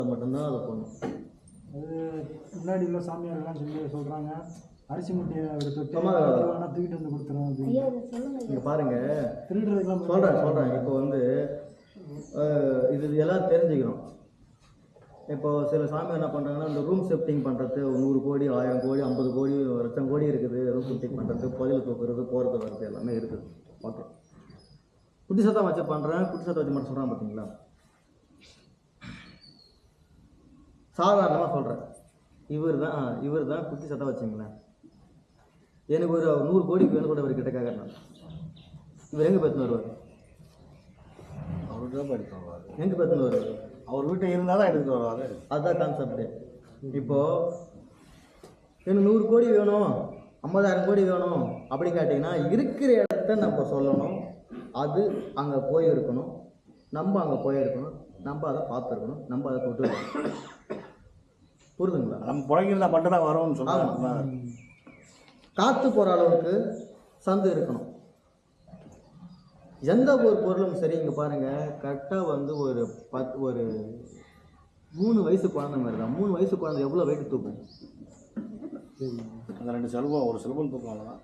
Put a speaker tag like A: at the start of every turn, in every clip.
A: மட்டும்தான் அதை பண்ணும்.
B: அது முன்னாடி உள்ள சாமியாரெல்லாம் சொல்லி சொல்கிறாங்க, அரிசி முட்டையை தொட்டு தூக்கிட்டு வந்து கொடுத்துரும்.
A: நீங்கள் பாருங்கள்,
B: திருடுறதுக்கெல்லாம்
A: சொல்கிறேன். இப்போ வந்து இது எல்லாம் தெரிஞ்சுக்கணும். இப்போ சில சாமி என்ன பண்ணுறாங்கன்னா, இந்த ரூம் ஷிஃப்டிங் பண்ணுறது 100 கோடி 1000 கோடி 50 கோடி 1,00,000 கோடி இருக்குது. ரூம் ஷிஃப்டிங் பண்ணுறது, புதையல் தூக்குறது, போகிறது வர்றது எல்லாமே இருக்குது. ஓகே, குட்டி சத்தம் வச்சு பண்ணுறேன், குட்டி சத்தம் வச்சு மட்டும் சொல்கிறான் பார்த்தீங்களா. சாதாரணமாக சொல்கிறேன், இவர் தான் குட்டி சத்தம் வச்சுங்களேன். எனக்கு ஒரு 100 கோடிக்கு வேணும் கூட இவர் கிட்ட கேட்குறேன். இவர் எங்கே பேத்துன்னு வருவார்?
C: அவர்கிட்ட தான் படிப்பாங்க.
A: எங்கே பேத்துன்னு வருவார்?
C: அவர் வீட்டில் இருந்தால் தான் எடுத்துகிட்டு வருவார்.
A: அதுதான் கான்செப்டு. இப்போது எனக்கு 100 கோடி வேணும், 50,000 கோடி வேணும் அப்படி கேட்டிங்கன்னா, இருக்கிற இடத்த நம்ம சொல்லணும். அது அங்கே போயிருக்கணும், நம்ம அங்கே போயிருக்கணும், நம்ம அதை பார்த்துருக்கணும், நம்ம அதை தொட்டு இருக்கணும். புரியுதுங்களா?
C: நம்ம புழைக்கிறதா மட்டும் தான் வரோம்னு சொன்னாங்க.
A: காற்று போகிற அளவுக்கு சந்து இருக்கணும். எந்த ஒரு பொருளும் சரி. இங்கே பாருங்கள், கரெக்டாக வந்து ஒரு 3 வயசு குழந்தை மாதிரி தான். 3 வயசு குழந்தை எவ்வளோ வெயிட்டு தூக்கும்?
C: அந்த 2 செல்வம், ஒரு செல்வம் தூக்கம் தான்.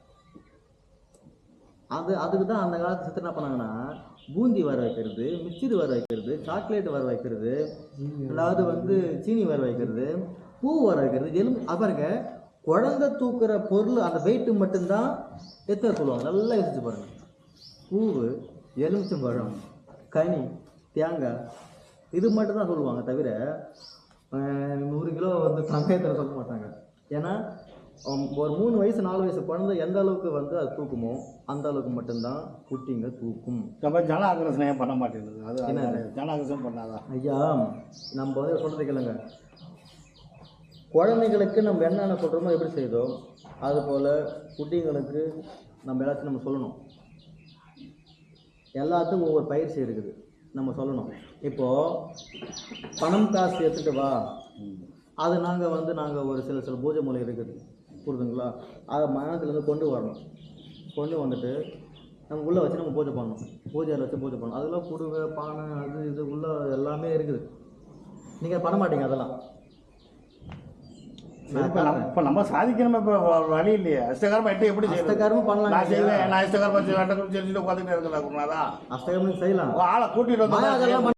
A: அதுக்கு தான் அந்த காலத்து சித்தர் என்ன பண்ணாங்கன்னா, பூந்தி வர வைக்கிறது, மிச்சர் வர வைக்கிறது, சாக்லேட் வர வைக்கிறது, அதாவது வந்து சீனி வர வைக்கிறது, பூ வர வைக்கிறது, பாருங்க, குழந்தை தூக்குற பொருள் அந்த வெயிட்டு மட்டும்தான் எத்தனை சொல்லுவாங்க. நல்லா யோசிச்சு பாருங்கள். பூவு, எலுமிச்சம்பழம், கனி, தேங்காய், இது மட்டும் தான் சொல்லுவாங்க. தவிர 100 கிலோ வந்து சமயத்தில் சொல்ல மாட்டாங்க. ஏன்னா ஒரு 3 வயசு 4 வயசு குழந்தை எந்த அளவுக்கு வந்து அது தூக்குமோ அந்த அளவுக்கு மட்டும்தான் குட்டிங்க தூக்கும்.
C: ஜன ஆக்ரஷனம் பண்ண மாட்டேங்குது. அது என்ன ஜன ஆக்ரஷனம் பண்ணாதான்
A: ஐயா? நம்ம வந்து சொல்கிறது கேளுங்க. குழந்தைங்களுக்கு நம்ம என்னென்ன சொல்கிறோமோ எப்படி செய்தோம், அதுபோல் குட்டிங்களுக்கு நம்ம எல்லாத்தையும் நம்ம சொல்லணும். எல்லாத்துக்கும் ஒவ்வொரு பயிற்சி இருக்குது, நம்ம சொல்லணும். இப்போது பணம் காசு எடுத்துகிட்டு வா, அது நாங்கள் ஒரு சில பூஜை மூலை இருக்குது, புரியுதுங்களா? அதை மனத்துலேருந்து கொண்டு வரணும். கொண்டு வந்துட்டு நம்ம உள்ளே வச்சு நம்ம பூஜை பண்ணணும். பூஜையில் வச்சு பூஜை பண்ணணும். அதெல்லாம் குடுவை, பானை, அது இது உள்ளே எல்லாமே இருக்குது. நீங்கள் பண்ண மாட்டீங்க அதெல்லாம்.
C: இப்போ நம்ம சாதிக்கணும். இப்போ வழி இல்லையே. அஷ்டகர்மம் எப்படி செய்யணும்?
A: அஷ்டகர்மம் பண்ணலாம்.
C: நான் அஷ்டகர்மம் செஞ்சுட்டு உட்காந்துட்டு இருக்கேன்.
A: அஷ்டகர்மம் செய்யலாம்.
C: ஆளை கூட்டிட்டு வந்து